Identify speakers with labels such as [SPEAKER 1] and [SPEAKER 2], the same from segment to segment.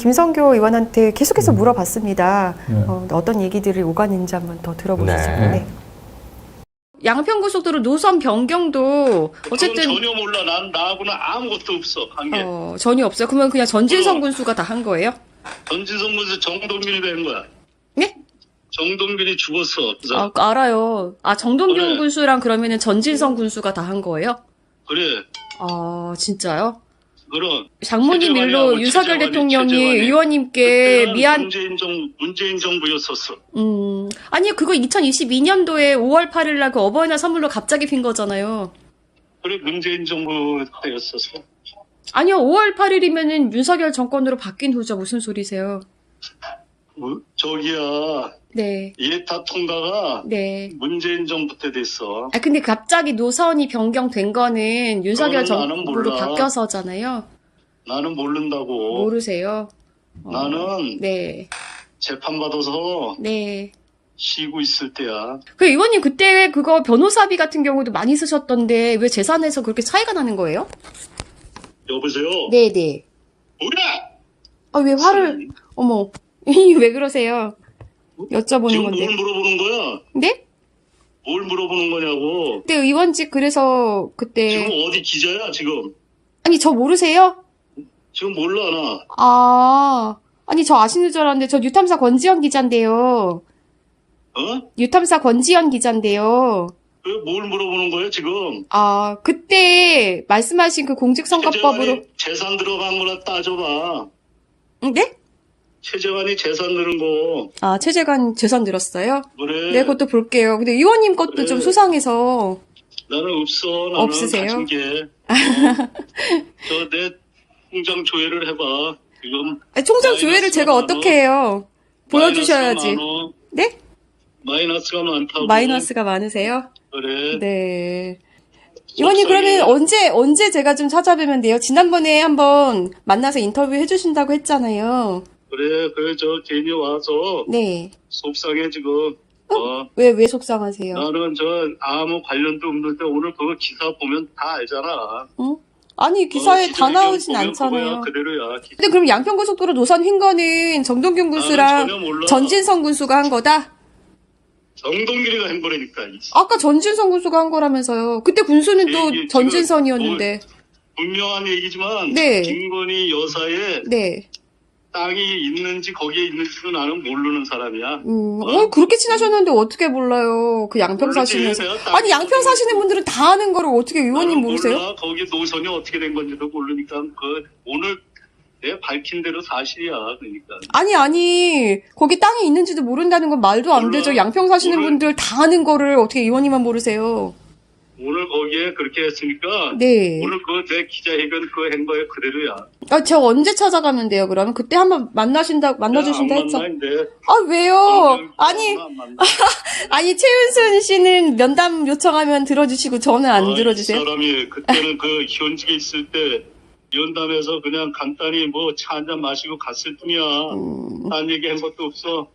[SPEAKER 1] 김성교 의원한테 계속해서 물어봤습니다. 어떤 얘기들을 오가는지 한번 더 들어보시죠.
[SPEAKER 2] 네.
[SPEAKER 1] 네.
[SPEAKER 3] 양평고속도로 노선 변경도 어쨌든
[SPEAKER 4] 그건 전혀 몰라. 난 나하고는 아무것도 없어. 관계.
[SPEAKER 3] 전혀 없어요. 그러면 그냥 전진성 군수가 다 한 거예요?
[SPEAKER 4] 전진성 군수 정동균이 된 거야.
[SPEAKER 3] 네?
[SPEAKER 4] 정동균이 죽었어. 그래서
[SPEAKER 3] 알아요. 정동균
[SPEAKER 4] 그래.
[SPEAKER 3] 군수랑 그러면은 전진성 군수가 다 한 거예요?
[SPEAKER 4] 그래.
[SPEAKER 3] 진짜요?
[SPEAKER 4] 그럼
[SPEAKER 3] 장모님 일로 윤석열 대통령이 의원님께 미안.
[SPEAKER 4] 문재인 정부였었어.
[SPEAKER 3] 아니요, 그거 2022년도에 5월 8일 날 그 어버이날 선물로 갑자기 핀 거잖아요.
[SPEAKER 4] 그래 문재인 정부 때였었어.
[SPEAKER 3] 아니요, 5월 8일이면은 윤석열 정권으로 바뀐 후죠. 무슨 소리세요?
[SPEAKER 4] 저기야.
[SPEAKER 3] 네.
[SPEAKER 4] 예타 통과가
[SPEAKER 3] 네.
[SPEAKER 4] 문재인 정부 때 됐어.
[SPEAKER 3] 근데 갑자기 노선이 변경된 거는 윤석열
[SPEAKER 4] 그거는 나는
[SPEAKER 3] 정부로
[SPEAKER 4] 몰라.
[SPEAKER 3] 바뀌어서잖아요.
[SPEAKER 4] 나는 모른다고.
[SPEAKER 3] 모르세요?
[SPEAKER 4] 나는
[SPEAKER 3] 네.
[SPEAKER 4] 재판 받아서
[SPEAKER 3] 네.
[SPEAKER 4] 쉬고 있을 때야.
[SPEAKER 3] 그 의원님 그때 그거 변호사비 같은 경우도 많이 쓰셨던데 왜 재산에서 그렇게 차이가 나는 거예요?
[SPEAKER 4] 여보세요?
[SPEAKER 3] 네네.
[SPEAKER 4] 뭐야?
[SPEAKER 3] 왜 화를, 어머. 왜 그러세요? 여쭤보는
[SPEAKER 4] 지금
[SPEAKER 3] 건데.
[SPEAKER 4] 뭘 물어보는 거야?
[SPEAKER 3] 네?
[SPEAKER 4] 뭘 물어보는 거냐고.
[SPEAKER 3] 그때 의원직 그래서 그때.
[SPEAKER 4] 지금 어디 기자야 지금?
[SPEAKER 3] 아니, 저 모르세요?
[SPEAKER 4] 지금 몰라 나.
[SPEAKER 3] 아니, 저 아시는 줄 알았는데, 저 뉴탐사 권지현 기자인데요. 뉴탐사 권지현 기자인데요.
[SPEAKER 4] 뭘 물어보는 거야 지금?
[SPEAKER 3] 그때 말씀하신 그 공직선거법으로.
[SPEAKER 4] 재산 들어간 거나 따져봐.
[SPEAKER 3] 네?
[SPEAKER 4] 최재관이 재산 늘은 거.
[SPEAKER 3] 최재관 재산 늘었어요?
[SPEAKER 4] 그래.
[SPEAKER 3] 네, 그것도 볼게요. 근데 의원님 것도
[SPEAKER 4] 그래.
[SPEAKER 3] 좀 수상해서.
[SPEAKER 4] 나는 없어. 나는
[SPEAKER 3] 없으세요?
[SPEAKER 4] 가진 게. 저 내 통장 조회를 해봐. 지금.
[SPEAKER 3] 총장 조회를 제가 어떻게 해요? 보여주셔야지. 네?
[SPEAKER 4] 마이너스가 많다고.
[SPEAKER 3] 마이너스가 많으세요?
[SPEAKER 4] 그래.
[SPEAKER 3] 네. 의원님 그러면 언제 제가 좀 찾아뵈면 돼요? 지난번에 한번 만나서 인터뷰 해주신다고 했잖아요.
[SPEAKER 4] 그래 저 괜히 와서
[SPEAKER 3] 네.
[SPEAKER 4] 속상해 지금.
[SPEAKER 3] 왜 속상하세요?
[SPEAKER 4] 나는 저 아무 관련도 없는데 오늘 그거 기사 보면 다 알잖아.
[SPEAKER 3] 아니 기사에 다 나오진
[SPEAKER 4] 보면
[SPEAKER 3] 않잖아요.
[SPEAKER 4] 그거야, 그대로야.
[SPEAKER 3] 근데 그럼 양평고속도로 노선 휜 거는 정동균 군수랑
[SPEAKER 4] 전혀 몰라.
[SPEAKER 3] 전진성 군수가 한 거다?
[SPEAKER 4] 정동균이가 한 거라니까.
[SPEAKER 3] 아까 전진성 군수가 한 거라면서요. 그때 군수는 또
[SPEAKER 4] 이게
[SPEAKER 3] 전진선이었는데.
[SPEAKER 4] 분명한 얘기지만
[SPEAKER 3] 네.
[SPEAKER 4] 김건희 여사의
[SPEAKER 3] 네.
[SPEAKER 4] 땅이 있는지 거기에 있는지도 나는 모르는 사람이야.
[SPEAKER 3] 그렇게 친하셨는데 어떻게 몰라요? 그 양평
[SPEAKER 4] 모르지.
[SPEAKER 3] 사시면서.
[SPEAKER 4] 내가 땅
[SPEAKER 3] 아니, 양평 사시는 분들은 다 아는 거를 어떻게 의원님
[SPEAKER 4] 나는
[SPEAKER 3] 모르세요?
[SPEAKER 4] 몰라. 거기 노선이 어떻게 된 건지도 모르니까 오늘 내가 밝힌 대로 사실이야. 그러니까.
[SPEAKER 3] 아니. 거기 땅이 있는지도 모른다는 건 말도 안
[SPEAKER 4] 몰라.
[SPEAKER 3] 되죠. 양평 사시는
[SPEAKER 4] 오늘-
[SPEAKER 3] 분들 다 아는 거를 어떻게 의원님만 모르세요?
[SPEAKER 4] 오늘 거기에 그렇게 했으니까
[SPEAKER 3] 네.
[SPEAKER 4] 오늘 내 기자회견 그거 한 거에 그대로야.
[SPEAKER 3] 저 언제 찾아가면 돼요, 그러면? 그때 한번 만나주신다 했죠. 왜요? 아니, 최윤순 씨는 면담 요청하면 들어주시고 저는 안 들어주세요?
[SPEAKER 4] 이 사람이 그때는 그 현직에 있을 때 연담에서 그냥 간단히 뭐 차 한잔 마시고 갔을 뿐이야. 딴 얘기 한 것도 없어.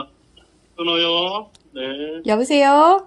[SPEAKER 4] 끊어요. 네.
[SPEAKER 3] 여보세요?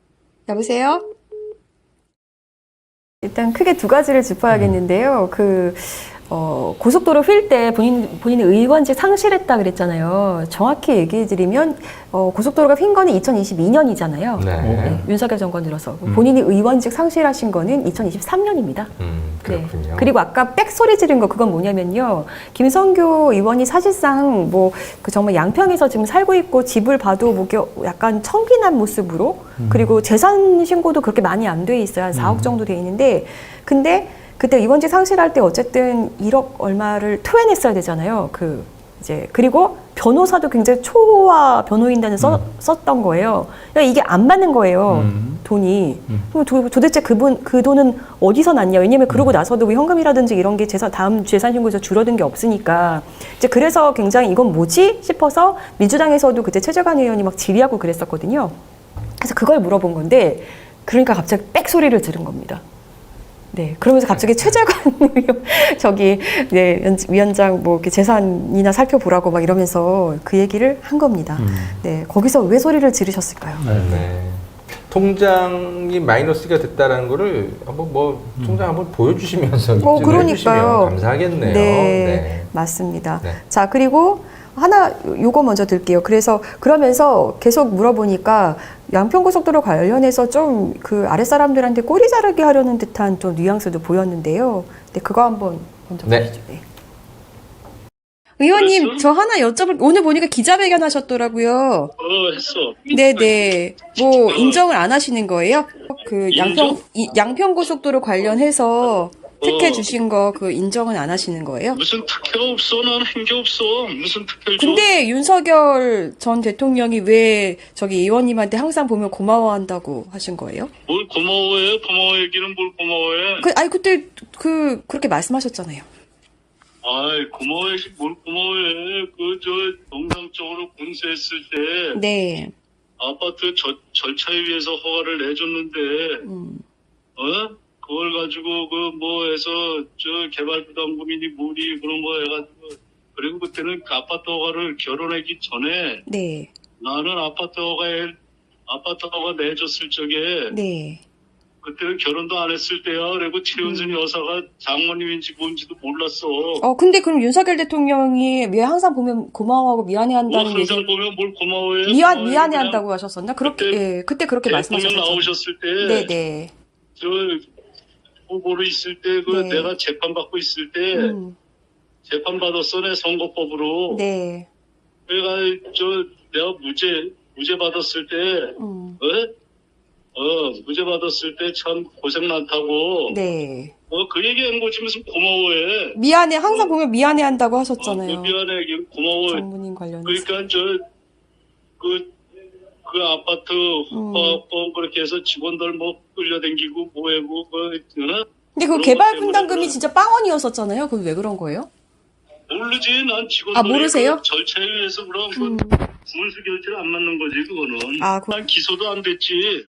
[SPEAKER 1] 일단 크게 두 가지를 짚어야겠는데요. 고속도로 휠 때 본인의 의원직 상실했다 그랬잖아요. 정확히 얘기해드리면 고속도로가 휜 거는 2022년이잖아요.
[SPEAKER 2] 네.
[SPEAKER 1] 윤석열 정권 들어서 본인이 의원직 상실하신 거는 2023년입니다.
[SPEAKER 2] 그렇군요.
[SPEAKER 1] 네. 그리고 아까 빽 소리 지른 거 그건 뭐냐면요. 김성교 의원이 사실상 정말 양평에서 지금 살고 있고 집을 봐도 약간 청빈한 모습으로 그리고 재산 신고도 그렇게 많이 안 돼 있어요. 한 4억 정도 돼 있는데 근데 그때 의원직 상실할 때 어쨌든 1억 얼마를 토해냈어야 되잖아요. 그리고 변호사도 굉장히 초호화 변호인단을 썼던 거예요. 그러니까 이게 안 맞는 거예요. 돈이. 그럼 도대체 그 돈은 어디서 났냐? 왜냐면 그러고 나서도 현금이라든지 이런 게 다음 재산신고에서 줄어든 게 없으니까. 이제 그래서 굉장히 이건 뭐지? 싶어서 민주당에서도 그때 최재관 의원이 막 질의하고 그랬었거든요. 그래서 그걸 물어본 건데, 그러니까 갑자기 빽 소리를 들은 겁니다. 네, 그러면서 갑자기 최재관 위원장 이렇게 재산이나 살펴보라고 막 이러면서 그 얘기를 한 겁니다. 네, 거기서 왜 소리를 지르셨을까요?
[SPEAKER 2] 네. 통장이 마이너스가 됐다라는 거를 한번 통장 한번 보여주시면서 입증을
[SPEAKER 1] 그러니까요.
[SPEAKER 2] 해주시면 감사하겠네요.
[SPEAKER 1] 네, 맞습니다.
[SPEAKER 2] 네.
[SPEAKER 1] 자, 그리고 하나 요거 먼저 들게요. 그러면서 계속 물어보니까 양평고속도로 관련해서 좀 그 아랫사람들한테 꼬리 자르게 하려는 듯한 좀 뉘앙스도 보였는데요. 네, 그거 한번 먼저
[SPEAKER 2] 네.
[SPEAKER 1] 보시죠. 네.
[SPEAKER 3] 의원님,
[SPEAKER 4] 그랬어?
[SPEAKER 3] 저 하나 여쭤볼, 오늘 보니까 기자회견 하셨더라고요.
[SPEAKER 4] 했어.
[SPEAKER 3] 네네. 뭐, 인정을 안 하시는 거예요? 그, 양평고속도로 관련해서 특혜 주신 거, 그, 인정은 안 하시는 거예요?
[SPEAKER 4] 무슨 특혜가 없어. 난 한 게 없어. 무슨 특혜를 줘.
[SPEAKER 3] 근데 윤석열 전 대통령이 왜 저기 의원님한테 항상 보면 고마워한다고 하신 거예요?
[SPEAKER 4] 뭘 고마워해? 고마워 얘기는 뭘 고마워해?
[SPEAKER 3] 아니, 그때 그렇게 말씀하셨잖아요.
[SPEAKER 4] 아이, 고마워해. 뭘 고마워해. 정상적으로 공세했을 때
[SPEAKER 3] 네.
[SPEAKER 4] 아파트 절차에 의해서 허가를 내줬는데, 그걸 가지고 해서 개발부담금이니 뭐니 그런 거 해가지고, 그리고 그때는 그 아파트 허가를 결혼하기 전에
[SPEAKER 3] 네.
[SPEAKER 4] 나는 아파트 허가 내줬을 적에
[SPEAKER 3] 네.
[SPEAKER 4] 그때는 결혼도 안 했을 때야. 그리고 최은순 여사가 장모님인지 뭔지도 몰랐어.
[SPEAKER 3] 근데 그럼 윤석열 대통령이 왜 항상 보면 고마워하고 미안해한다는 얘기,
[SPEAKER 4] 항상 보면 뭘 고마워해?
[SPEAKER 3] 미안해한다고 하셨었나? 그때 그렇게
[SPEAKER 4] 대통령
[SPEAKER 3] 말씀하셨죠.
[SPEAKER 4] 나오셨을 때,
[SPEAKER 3] 네네.
[SPEAKER 4] 후보로 있을 때,
[SPEAKER 3] 네.
[SPEAKER 4] 내가 재판받고 있을 때, 재판받았어, 내 선거법으로.
[SPEAKER 3] 네.
[SPEAKER 4] 내가, 내가 무죄 받았을 때, 무죄 받았을 때 참 고생 많다고.
[SPEAKER 3] 네.
[SPEAKER 4] 그 얘기한 거지 무슨 고마워해.
[SPEAKER 3] 미안해, 항상 보면 미안해한다고 하셨잖아요.
[SPEAKER 4] 미안해, 고마워.
[SPEAKER 3] 장모님 관련해서.
[SPEAKER 4] 그러니까 그 아파트 허가법 그렇게 해서 직원들 끌려다니고 뭐하고
[SPEAKER 3] 근데 그 개발 분담금이 진짜 빵원이었었잖아요. 그건 왜 그런 거예요?
[SPEAKER 4] 모르지. 난 직원들이
[SPEAKER 3] 모르세요?
[SPEAKER 4] 그 절차에 의해서 그럼 분수 결제를 안 맞는 거지 그거는. 난 기소도 안 됐지.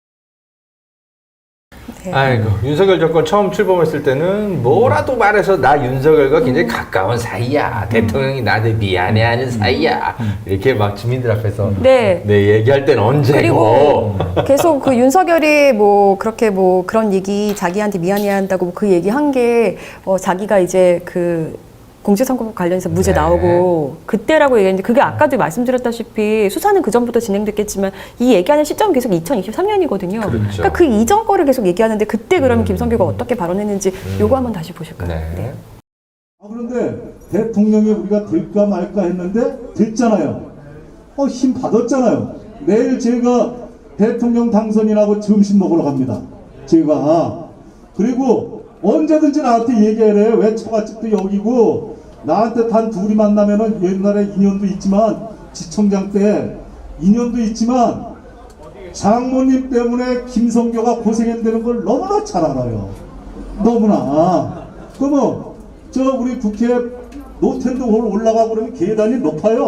[SPEAKER 1] 네.
[SPEAKER 2] 아이고, 윤석열 정권 처음 출범했을 때는 뭐라도 말해서 나 윤석열과 굉장히 가까운 사이야. 대통령이 나한테 미안해하는 사이야. 이렇게 막 주민들 앞에서
[SPEAKER 1] 네.
[SPEAKER 2] 얘기할 땐 언제고.
[SPEAKER 1] 그리고 계속 그 윤석열이 그렇게 그런 얘기 자기한테 미안해한다고 그 얘기 한 게 자기가 이제 그 공직선거법 관련해서 무죄
[SPEAKER 2] 네.
[SPEAKER 1] 나오고 그때라고 얘기했는데 그게 아까도 말씀드렸다시피 수사는 그 전부터 진행됐겠지만 이 얘기하는 시점은 계속 2023년이거든요.
[SPEAKER 2] 그렇죠.
[SPEAKER 1] 그러니까 그 이전 거를 계속 얘기하는데 그때 그러면 김성규가 어떻게 발언했는지 요거 한번 다시 보실까요?
[SPEAKER 2] 네.
[SPEAKER 5] 그런데 대통령이 우리가 될까 말까 했는데 됐잖아요. 힘 받았잖아요. 내일 제가 대통령 당선인하고 점심 먹으러 갑니다. 제가. 그리고 언제든지 나한테 얘기해래. 왜 처갓집도 여기고 나한테 단 둘이 만나면은 옛날에 인연도 있지만 지청장 때 인연도 있지만 장모님 때문에 김성교가 고생한다는 걸 너무나 잘 알아요. 너무나. 그러면 우리 국회 노텐드홀 올라가고 그러면 계단이 높아요.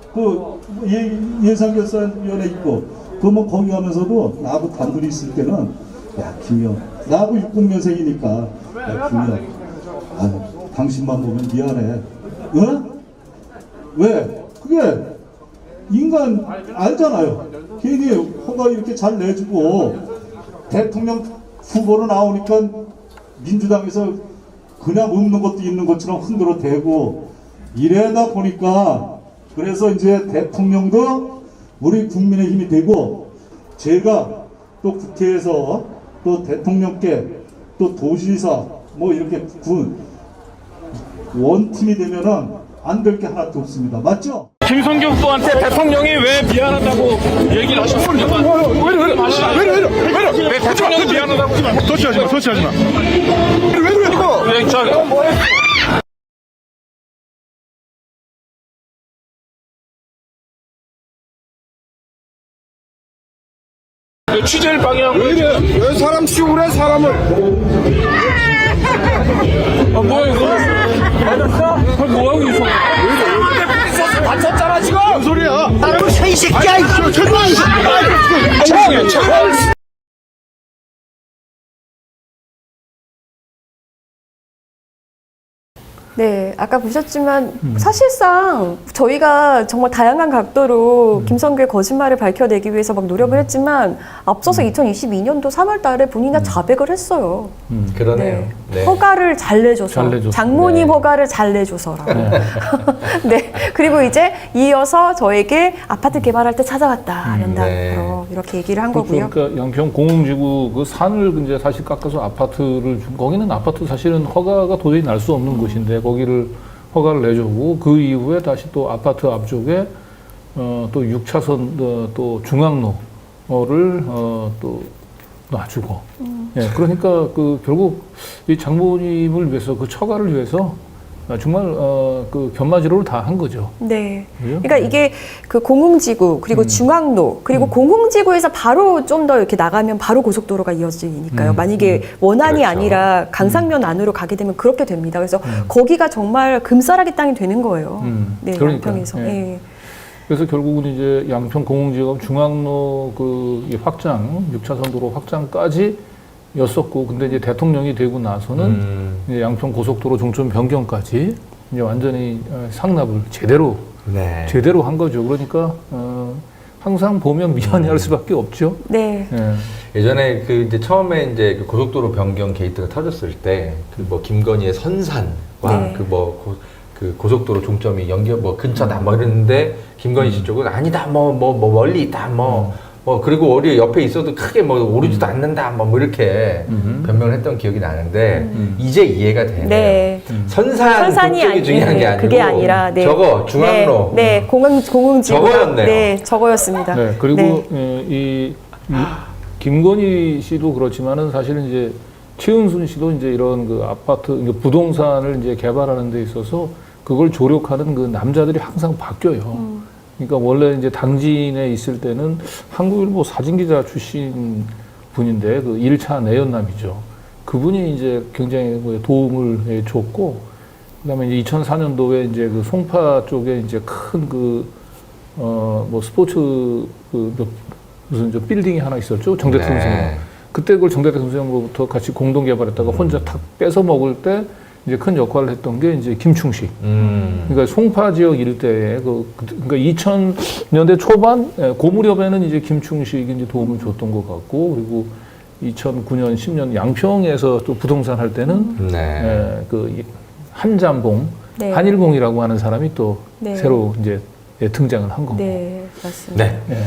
[SPEAKER 5] 예산결산위원회 있고 그러면 거기 가면서도 나하고 단둘이 있을 때는 야 김영 나하고 60년생이니까 야 김영 당신만 보면 미안해. 왜? 그게 인간 알잖아요. 괜히 허가 이렇게 잘 내주고 대통령 후보로 나오니까 민주당에서 그냥 없는 것도 있는 것처럼 흔들어 대고 이래다 보니까 그래서 이제 대통령도 우리 국민의 힘이 되고 제가 또 국회에서 또 대통령께 또 도지사 이렇게 원팀이 되면은 안 될 게 하나도 없습니다. 맞죠?
[SPEAKER 6] 김성규 후보한테 대통령이 왜 미안하다고 얘기를 하셨어요? 왜 대통령이 미안하다고? 터치하지 마. 왜 이거? 취재를 방해하고 왜 사람 치고 그래 사람을? 뭐야 이거? 맞았어? 뭐야 이거? 다쳤잖아 지금. 무슨 소리야? 나를 이 새끼야 이 새끼야.
[SPEAKER 1] 네, 네, 아까 보셨지만 사실상 저희가 정말 다양한 각도로 김성규의 거짓말을 밝혀내기 위해서 막 노력을 했지만 앞서서 2022년도 3월 달에 본인이 자백을 했어요.
[SPEAKER 2] 그러네요. 네.
[SPEAKER 1] 허가를 잘 내줘서.
[SPEAKER 6] 잘 내줘서.
[SPEAKER 1] 장모님
[SPEAKER 2] 네.
[SPEAKER 1] 허가를 잘 내줘서라고. 네. 그리고 이제 이어서 저에게 아파트 개발할 때 찾아왔다. 연달로 이렇게 얘기를 한 거고요.
[SPEAKER 6] 그러니까 양평 공흥지구 그 산을 이제 사실 깎아서 아파트를 준 거기는 아파트 사실은 허가가 도저히 날 수 없는 곳인데 거기를 허가를 내주고 그 이후에 다시 또 아파트 앞쪽에 또 6차선 또 중앙로를 또 놔주고 예 그러니까 그 결국 이 장모님을 위해서 그 처가를 위해서 정말 그 견마지로를 다 한 거죠.
[SPEAKER 1] 네.
[SPEAKER 6] 그죠?
[SPEAKER 1] 그러니까 이게 그 공흥지구 그리고 중앙로 그리고 공흥지구에서 바로 좀 더 이렇게 나가면 바로 고속도로가 이어지니까요. 만약에 원안이
[SPEAKER 2] 그렇죠.
[SPEAKER 1] 아니라 강상면 안으로 가게 되면 그렇게 됩니다. 그래서 거기가 정말 금싸라기 땅이 되는 거예요. 네,
[SPEAKER 6] 그러니까요.
[SPEAKER 1] 양평에서.
[SPEAKER 6] 예.
[SPEAKER 1] 예.
[SPEAKER 6] 그래서 결국은 이제 양평 공흥지구가 중앙로 그 확장, 6차선 도로 확장까지 였었고, 근데 이제 대통령이 되고 나서는 이제 양평 고속도로 종점 변경까지 이제 완전히 상납을 제대로
[SPEAKER 2] 네.
[SPEAKER 6] 한 거죠. 그러니까 항상 보면 미안해할 수밖에 없죠.
[SPEAKER 1] 네.
[SPEAKER 6] 예.
[SPEAKER 2] 예전에 그 이제 처음에 이제 그 고속도로 변경 게이트가 터졌을 때 그 뭐 김건희의 선산과
[SPEAKER 1] 네.
[SPEAKER 2] 그 뭐 그 고속도로 종점이 연결 뭐 근처다 뭐 이랬는데 김건희 씨 쪽은 아니다 뭐 멀리 있다 뭐 그리고 어디 옆에 있어도 크게 뭐 오르지도 않는다 뭐 이렇게 변명을 했던 기억이 나는데 이제 이해가 되네요.
[SPEAKER 1] 네.
[SPEAKER 2] 선산이 쪽이 중요한 게 아니고
[SPEAKER 1] 그게 아니라 네.
[SPEAKER 2] 저거 중앙로
[SPEAKER 1] 네, 공흥지구
[SPEAKER 2] 저거였네요.
[SPEAKER 1] 네, 저거였습니다.
[SPEAKER 6] 네, 그리고
[SPEAKER 1] 네.
[SPEAKER 6] 이 김건희 씨도 그렇지만은 사실은 이제 최은순 씨도 이제 이런 그 아파트, 그러니까 부동산을 이제 개발하는 데 있어서 그걸 조력하는 그 남자들이 항상 바뀌어요. 그러니까 원래 이제 당진에 있을 때는 한국일보 사진기자 출신 분인데 그 1차 내연남이죠. 그분이 이제 굉장히 도움을 줬고, 그다음에 이제 2004년도에 이제 그 송파 쪽에 이제 큰 그 뭐 스포츠 무슨 저 빌딩이 하나 있었죠. 정대택 선생님. 그때 그걸 정대택 선생님으로부터 같이 공동 개발했다가 혼자 탁 뺏어 먹을 때 이제 큰 역할을 했던 게 이제 김충식. 그러니까 송파 지역 일대에 그러니까 2000년대 초반 그 무렵에는 이제 김충식이 이제 도움을 줬던 것 같고, 그리고 2009년 10년 양평에서 또 부동산 할 때는 그 한잠봉,
[SPEAKER 1] 네.
[SPEAKER 6] 한일봉이라고 하는 사람이 또
[SPEAKER 1] 네.
[SPEAKER 6] 새로 이제 등장을 한 거고.
[SPEAKER 1] 네, 맞습니다.
[SPEAKER 2] 네.